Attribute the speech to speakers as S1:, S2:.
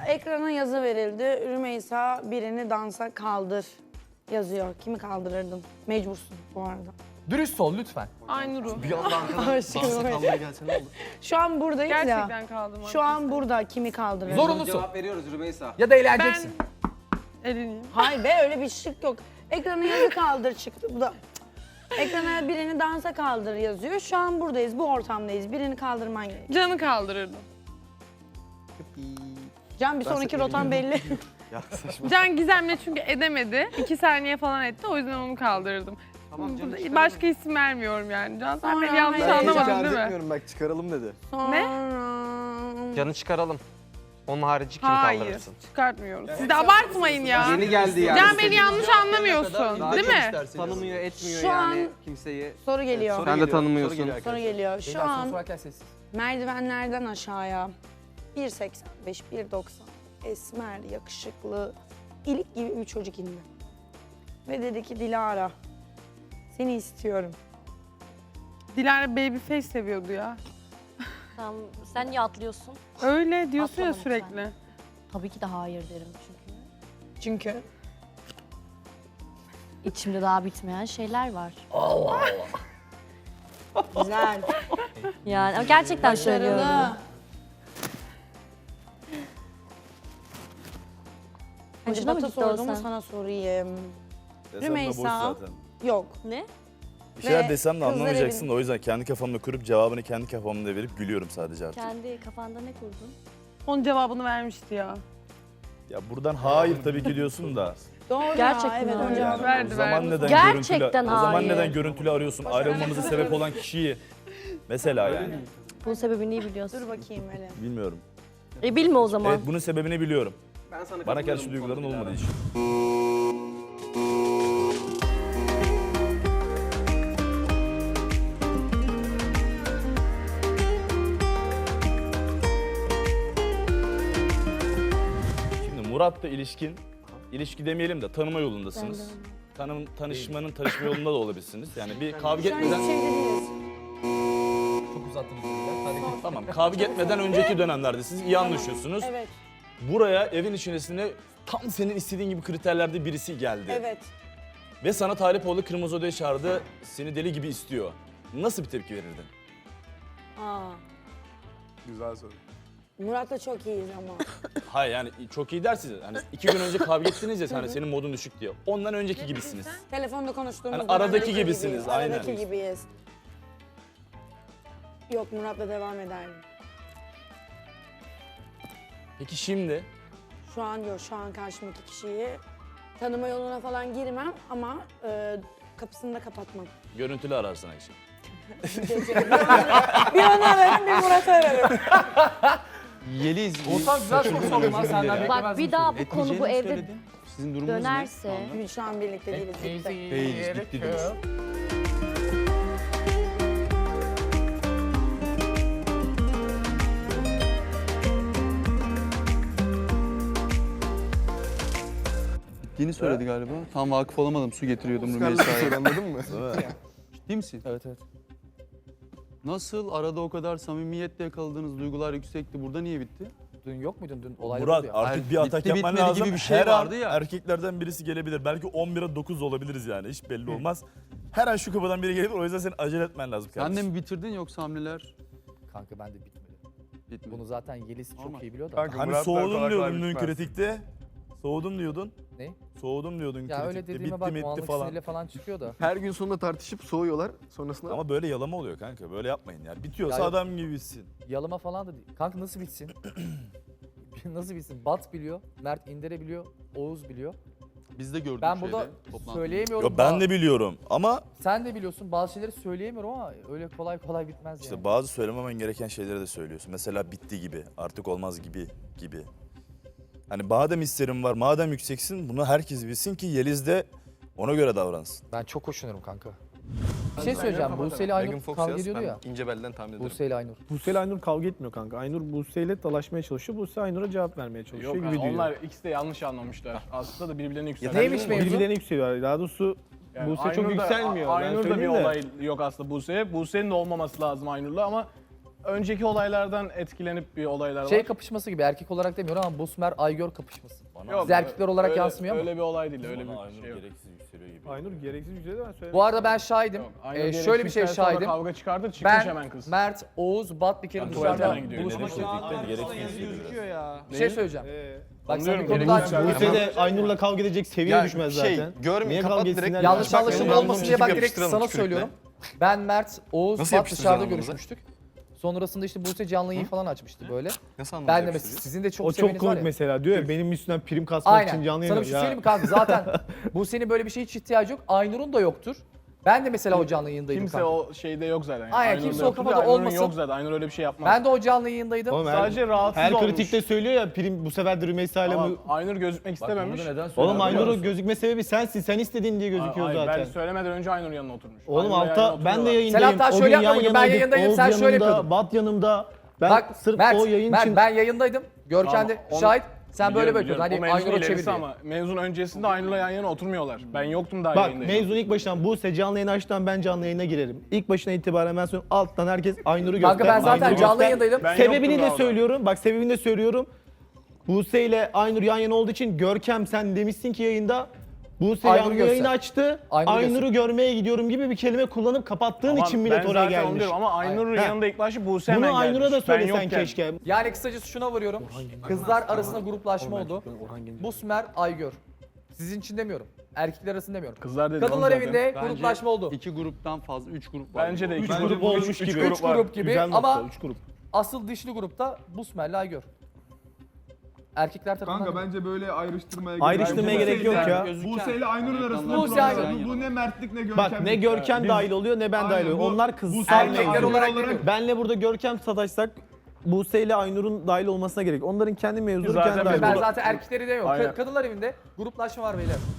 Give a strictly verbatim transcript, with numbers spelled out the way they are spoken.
S1: Ekrana yazı verildi. Rümeysa birini dansa kaldır yazıyor. Kimi kaldırırdın? Mecbursun bu arada.
S2: Dürüst ol lütfen.
S3: Aynur'u.
S4: Bir anda arkadan dansa kalmaya gelse ne olur?
S1: Şu an buradayız ya.
S3: Gerçekten kaldım.
S1: Şu an burada kimi kaldırırdın?
S2: Zorunlusun.
S5: Cevap veriyoruz Rümeysa.
S2: Ya da eğleneceksin.
S3: Ben eleneyim.
S1: Hayır be öyle bir şık yok. Ekrana yazı kaldır çıktı. Bu da ekrana birini dansa kaldır yazıyor. Şu an buradayız, bu ortamdayız. Birini kaldırman gerekiyor.
S3: Can'ı kaldırırdım.
S1: Can bir sonraki rotan belli.
S4: Ya saçma.
S3: Can Gizem'le çünkü edemedi. İki saniye falan etti. O yüzden onu kaldırırdım.
S4: Tamam canım.
S3: Burada başka isim vermiyorum yani. Can sen
S1: Sonra
S3: beni yanlış
S1: hayır.
S4: Ben hiç
S3: anlamadın
S4: arz
S3: değil mi?
S4: etmiyorum bak çıkaralım dedi.
S1: Sonra...
S5: Canı çıkaralım. Onun harici kim
S3: Hayır,
S5: kaldırırsın?
S3: çıkartmıyoruz. Siz de abartmayın ya.
S5: Yeni geldi yani.
S3: Can beni yanlış anlamıyorsun, değil mi?
S5: Tanımıyor, etmiyor
S1: Şu
S5: yani
S1: an-
S5: kimseyi.
S1: Soru geliyor.
S4: Soru
S5: Sen de
S4: geliyor,
S5: tanımıyorsun.
S4: soru geliyor
S1: Soru
S4: arkadaşlar.
S1: geliyor. Şu
S2: Beyler soru
S1: an
S2: sorarken sessiz.
S1: merdivenlerden aşağıya bir seksen beş, bir doksan esmer, yakışıklı, ilik gibi bir çocuk indi. Ve dedi ki Dilara, seni istiyorum.
S3: Dilara babyface seviyordu ya.
S6: Tamam, sen niye atlıyorsun?
S3: Öyle diyorsun ya
S6: Atlama
S3: sürekli.
S6: lütfen. Tabii ki de hayır derim çünkü.
S1: Çünkü
S6: İçimde daha bitmeyen şeyler var.
S1: güzel,
S6: Yani ama gerçekten söylüyorum.
S1: başarılı.
S6: Hoşuna mı
S1: Hacı
S6: gitti
S1: sorduğumu
S6: olsan?
S1: sana sorayım.
S7: Desem de
S1: Rümeysa.
S7: boş zaten.
S1: Yok.
S6: Ne?
S7: Bir şeyler
S1: Ve
S7: desem de
S1: kızlar
S7: anlamayacaksın
S1: evin-
S7: da o yüzden kendi kafamda kurup cevabını kendi kafamda verip gülüyorum sadece artık.
S6: Kendi kafanda ne kurdun?
S3: Onun cevabını vermişti ya.
S7: Ya buradan hayır tabii ki diyorsun da.
S1: Doğru
S6: Gerçekten
S1: ya, evet
S6: hayır.
S1: önce
S7: Yani
S3: Verdi,
S7: o zaman
S3: verdi.
S7: neden
S6: Gerçekten
S7: görüntülü, o zaman
S6: hayır.
S7: neden görüntülü arıyorsun? Ayrılmamıza sebep olan kişiyi mesela yani.
S6: Bunun sebebini iyi biliyorsun.
S1: Dur bakayım hele.
S7: Bilmiyorum.
S6: E bilme o zaman.
S7: Evet bunun sebebini biliyorum.
S5: Ben sana
S7: Bana
S5: katılıyorum
S7: karşı
S5: bu
S7: duyguların
S5: konuda
S7: olmadığı
S5: Dilara.
S7: için. Şimdi Murat'la ilişkin, ilişki demeyelim de tanıma yolundasınız. Tanım, tanışmanın tanışma yolunda da olabilirsiniz. Yani bir kavga
S1: Şu an
S7: etmeden...
S1: hiç evde değiliz.
S2: Çok uzattınız beyler. Hadi.
S7: Tamam, kavga etmeden önceki dönemlerde siz iyi anlaşıyorsunuz.
S1: Evet,
S7: Buraya evin içerisine tam senin istediğin gibi kriterlerde birisi geldi.
S1: evet.
S7: Ve sana talip oldu, kırmızı odaya çağırdı, seni deli gibi istiyor. Nasıl bir tepki verirdin?
S1: Aa,
S4: Güzel soru.
S1: Murat'la çok iyiyiz ama.
S7: Hayır yani çok iyi dersiniz. Hani iki gün önce kavga ettiniz ya hani senin modun düşük diye. Ondan önceki gibisiniz.
S1: Telefonda konuştuğumuz
S7: Hani aradaki
S1: dönemdeki
S7: gibisiniz,
S1: gibiyiz,
S7: aynen.
S1: Aradaki gibiyiz. Yok, Murat'la devam ederdim.
S7: Peki şimdi
S1: Şu an yok, şu an karşımdaki kişiyi tanıma yoluna falan girmem ama e, kapısını da kapatmam.
S7: görüntülü ararsın Ayşe.
S1: Bir onu ararım, bir Murat'ı ararım.
S4: Yeliz.
S2: Oğuzhan güzel soru sordun lan senden beklemezdim.
S6: Bak bir daha bu konu bu evde
S4: Sizin durumunuz
S6: dönerse
S4: ne?
S1: Biz şu an birlikte değiliz. bitti.
S4: Değiliz, bitti diyorsun. Bittiğini söyledi galiba. Tam vakıf olamadım. Su getiriyordum Rümeysa'ya. Anladın mı? Ciddi misin?
S2: Evet evet.
S4: Nasıl arada o kadar samimiyetle yakaladığınız duygular yüksekti. Burada niye bitti?
S2: Dün yok muydun? Dün olaylar
S7: Murat
S2: oldu ya.
S7: artık
S4: Hayır,
S7: bir atak
S4: bitti
S7: yapman
S4: bitmedi
S7: lazım.
S4: gibi bir şey
S7: Her
S4: vardı
S7: an
S4: ya.
S7: erkeklerden birisi gelebilir. Belki on bire dokuz olabiliriz yani. Hiç belli olmaz. Her an şu kapıdan biri gelebilir. O yüzden senin acele etmen lazım
S4: Sen de
S7: kardeşim.
S4: mi bitirdin yoksa hamleler
S2: Kanka ben de bitmedi.
S4: bitmedi?
S2: Bunu zaten Yeliz
S4: Normal.
S2: çok iyi biliyor da.
S8: Kanka,
S7: Hani
S8: Murat'la
S7: soğudum
S8: kolay kolay
S7: diyordun dün
S8: bitmez.
S7: kritikte. Soğudum diyordun.
S2: Ne?
S7: Soğudum diyordun
S2: Ya
S7: kritikte.
S2: öyle dediğime
S7: Bitti
S2: bak
S7: mi
S2: o
S7: etti
S2: anlık
S7: falan.
S2: sinirle falan çıkıyor da.
S8: Her gün sonunda tartışıp soğuyorlar. Sonrasında
S7: Ama böyle yalama oluyor kanka. Böyle yapmayın ya. Bitiyorsa
S2: Ya yok.
S7: adam gibisin.
S2: Yalıma falan da değil. Kanka nasıl bitsin? Nasıl bitsin? Bat biliyor, Mert İndire biliyor, Oğuz biliyor.
S4: Biz de gördük
S2: Ben burada
S4: şeyde, toplantıda.
S2: söyleyemiyorum.
S7: Yo, ben
S2: Ba-
S7: de biliyorum ama
S2: Sen de biliyorsun bazı şeyleri söyleyemiyorum ama öyle kolay kolay bitmez
S7: işte
S2: yani.
S7: bazı söylememen gereken şeyleri de söylüyorsun. Mesela bitti gibi, artık olmaz gibi gibi. Hani madem hislerin var, madem yükseksin bunu herkes bilsin ki Yeliz de ona göre davransın.
S2: Ben çok hoşlanırım kanka. Bir şey söyleyeceğim. Buse ile Aynur kavga ediyordu ya.
S4: İnce belden tahmin ederim.
S2: Buse ile Aynur.
S9: Buse ile Aynur kavga etmiyor kanka. Aynur Buse ile dalaşmaya çalışıyor. Buse Aynur'a cevap vermeye çalışıyor
S8: yok
S9: gibi
S8: yani
S9: diyor.
S8: onlar ikisi de yanlış anlamışlar. Aslında da birbirlerine yükseliyor.
S2: Neymiş mevzu?
S9: Birbirlerine yükseliyorlar. Daha doğrusu
S8: Yani
S9: Buse çok
S8: Aynur'da-
S9: yükselmiyor. Ben
S8: Aynur'da bir
S9: söyleyeyim de.
S8: olay yok aslında Buse'ye. Buse'nin de olmaması lazım Aynur'la ama önceki olaylardan etkilenip bir olaylar var.
S2: Şey kapışması gibi erkek olarak demiyorum ama Busmer Aygör kapışması.
S8: Yok,
S2: Biz erkekler olarak
S8: öyle-
S2: yansımıyor ama.
S8: Öyle bir olay değil, öyle
S7: Bana
S8: bir
S7: Aynur
S8: şey yok.
S7: gereksiz yükseliyor gibi.
S9: Aynur gereksiz yüzeyde ben söyledim.
S2: Bu arada ben şahidim.
S8: Yok, Aynur
S2: Ee,
S8: gereksiz
S2: şöyle bir şey
S8: isterse orada
S2: şahidim.
S8: Kavga çıkardı, çıkmış hemen
S2: Ben,
S8: kız.
S2: Mert, Oğuz, Bat bir kere
S8: Ben
S2: dışarıda
S8: tuvalete gidiyor.
S2: buluşmuştuk.
S7: Gereksiz yükseliyor biraz.
S2: Bir şey söyleyeceğim.
S9: Ee,
S2: Bak sen bir
S8: Anlıyorum,
S2: konu
S8: gereksiz
S2: daha
S8: yükseliyor.
S9: Buse de Aynur'la kavga edecek seviye düşmez zaten.
S10: Şey, görme,
S9: Niye
S10: kapat
S9: kavga
S10: direkt.
S9: etsinler?
S2: yanlış
S9: Bak,
S2: anlaşılma
S9: benim
S2: olmasın
S9: anlamım-
S2: diye bak
S10: gibi
S2: direkt
S10: yapıştıralım
S2: sana
S10: tükürükle.
S2: söylüyorum. Ben, Mert, Oğuz,
S10: Nasıl
S2: Bat
S10: yapıştıracağız
S2: dışarıda
S10: onu bize?
S2: görüşmüştük. Sonrasında işte Buse canlı yayın falan açmıştı böyle.
S10: Nasıl anlamda
S2: Ben de mesela
S10: yapıştıracağız?
S2: sizin de çok
S9: O
S2: seveniz
S9: çok
S2: var
S9: komik
S2: ya.
S9: mesela diyor ya benim üstünden prim kasmak için
S2: Aynen.
S9: canlı
S2: Sana
S9: yayın.
S2: bir şey söyleyeyim mi kanka? Zaten Buse'nin böyle bir şeye hiç ihtiyacı yok. Aynur'un da yoktur. Ben de mesela o canlı yayındaydım
S8: Kimse
S2: kanka.
S8: o şeyde yok zaten. Yani.
S2: Aynen,
S8: Aynur'da
S2: kimse o
S8: yoktu
S2: kafada
S8: da Aynur'un
S2: olmasın.
S8: yok zaten. Aynur öyle bir şey yapmaz.
S2: Ben de o canlı yayındaydım.
S9: Oğlum her,
S8: Sadece rahatsız
S9: her
S8: olmuş.
S9: kritikte söylüyor ya prim bu sefer de Rümeysa ile
S8: Ama
S9: bu...
S8: Aynur gözükmek istememiş.
S9: Oğlum Aynur'un gözükme sebebi sensin. Sen istediğin diye gözüküyor
S8: Ay,
S9: zaten.
S8: Ben söylemeden önce Aynur yanına oturmuş.
S9: Oğlum
S8: Aynur'la yan
S9: alta
S8: yana
S9: ben de
S8: oturuyorlar.
S9: yayındayım.
S2: Sen hatta
S9: O
S2: şöyle
S9: gün yan
S2: yapma bugün, ben
S9: yanaydık.
S2: yayındayım,
S9: Oğuz
S2: sen şöyle
S9: yanımda,
S2: yapıyordun.
S9: Bat yanımda. Ben
S2: Bak
S9: sırf
S2: Mert,
S9: o yayın
S2: Mert
S9: için...
S2: ben yayındaydım. Görkem de
S8: Tamam, onu-
S2: şahit. Sen böyle
S8: Biliyorum,
S2: bakıyordun.
S8: biliyorum.
S2: Hani
S8: O mevzun
S2: Aynur'u
S8: ilerisi
S2: çevir diye.
S8: ama mevzun öncesinde Aynur'la yan yana oturmuyorlar. Ben yoktum daha
S9: Bak
S8: yayındayım.
S9: mevzun ilk başından Buse canlı yayın açtan ben canlı yayına girerim. İlk başına itibaren ben söylüyorum alttan herkes Aynur'u göster.
S2: Kanka ben zaten
S9: Aynur'u
S2: canlı
S9: göster.
S2: yayındaydım.
S8: Ben
S9: Sebebini
S8: yoktum
S9: de
S8: daha
S9: söylüyorum. Bak sebebini de söylüyorum. Buse ile Aynur yan yana olduğu için Görkem sen demişsin ki yayında Buse
S2: Aynur'u
S9: yanlı
S2: göster.
S9: yayını açtı.
S2: Aynur'u
S9: Aynur'u görmeye gidiyorum gibi bir kelime kullanıp kapattığın
S8: Ama
S9: için millet
S8: ben
S9: oraya
S8: zaten onu
S9: gelmiş.
S8: diyorum Ama Aynur'un
S9: Ha.
S8: yanında ilk başta Buse hemen
S9: Bunu Aynur'a da
S8: gelmiş. Ben
S9: söylesen
S8: yokken.
S9: keşke.
S2: Yani kısacası şuna varıyorum. Kızlar arasında gruplaşma oldu. Busmer, Aygör. Sizin için demiyorum. Erkekler arasında demiyorum.
S8: Kızlar dedi.
S2: Kadınlar
S8: oğlum
S2: evinde
S4: Bence
S2: gruplaşma oldu.
S4: İki gruptan fazla, üç grup var.
S8: Bence de
S9: Üç
S8: iki
S9: grup
S8: grup
S9: olmuş
S8: üç
S9: gibi.
S8: grup
S2: Üç
S8: var.
S2: grup gibi
S9: Güzel nokta,
S2: ama
S9: üç grup.
S2: asıl dişli grupta Busmer'le Aygör. Erkekler takımlar.
S11: Kanka bence böyle ayrıştırmaya gerek
S9: Ayrıştırmaya
S11: yok.
S9: gerek yok ya.
S11: Buse ile Aynur'un arasında
S2: Buse
S11: problem
S2: Aynur.
S11: var. Bu, bu ne mertlik ne görkem.
S9: Bak ne Görkem
S11: Biz-
S9: dahil oluyor ne ben dahil
S11: Aynen,
S9: oluyorum.
S11: bu-
S9: Onlar kız.
S11: bu
S2: Erkekler
S11: Aynur
S2: olarak geliyor.
S9: Benle burada Görkem sataşsak Buse ile Aynur'un dahil olmasına gerek. Onların kendi mevzuları
S8: Zaten
S9: kendi
S8: biz
S9: dahil.
S2: Ben
S8: Bunu-
S2: zaten erkekleri demiyorum.
S8: Aynen.
S2: Ka- Kadınlar evinde gruplaşma var beyler.